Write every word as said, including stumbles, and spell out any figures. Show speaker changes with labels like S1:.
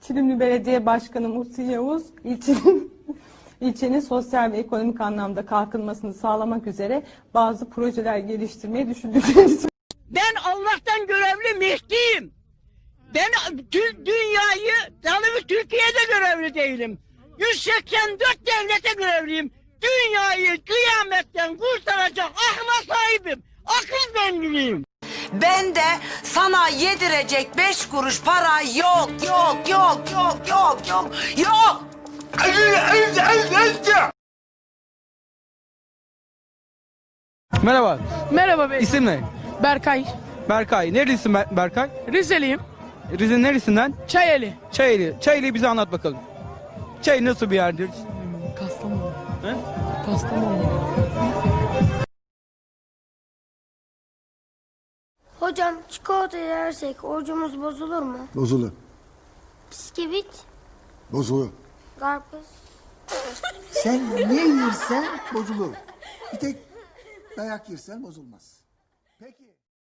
S1: Çilimli Belediye Başkanı Muhsin Yavuz, ilçenin, ilçenin sosyal ve ekonomik anlamda kalkınmasını sağlamak üzere bazı projeler geliştirmeyi düşündüklerini söyledi.
S2: Ben Allah'tan görevli Mehdi'yim. Ben tüm dünyayı, yalnız Türkiye'de görevli değilim. yüz seksen dört devlete görevliyim. Dünyayı kıyametten kurtaracak akla sahibim. Akıl zenginiyim.
S3: Ben de sana yedirecek beş kuruş para yok, yok, yok, yok, yok, yok, yok.
S4: Merhaba.
S5: Merhaba bey.
S4: İsim ne?
S5: Berkay.
S4: Berkay. Nerelisin Ber- Berkay?
S5: Rizeliyim.
S4: Rize'nin neresinden?
S5: Çayeli.
S4: Çayeli. Çayeli'yi bize anlat bakalım. Çayeli nasıl bir yerdir?
S5: Kastamonu.
S4: He?
S5: Kastamonu.
S6: Hocam çikolata yersek orucumuz bozulur mu?
S7: Bozulur.
S6: Bisküvit,
S7: Bozulur.
S6: karpuz.
S7: Sen ne yersen bozulur. Bir tek dayak yersen bozulmaz. Peki.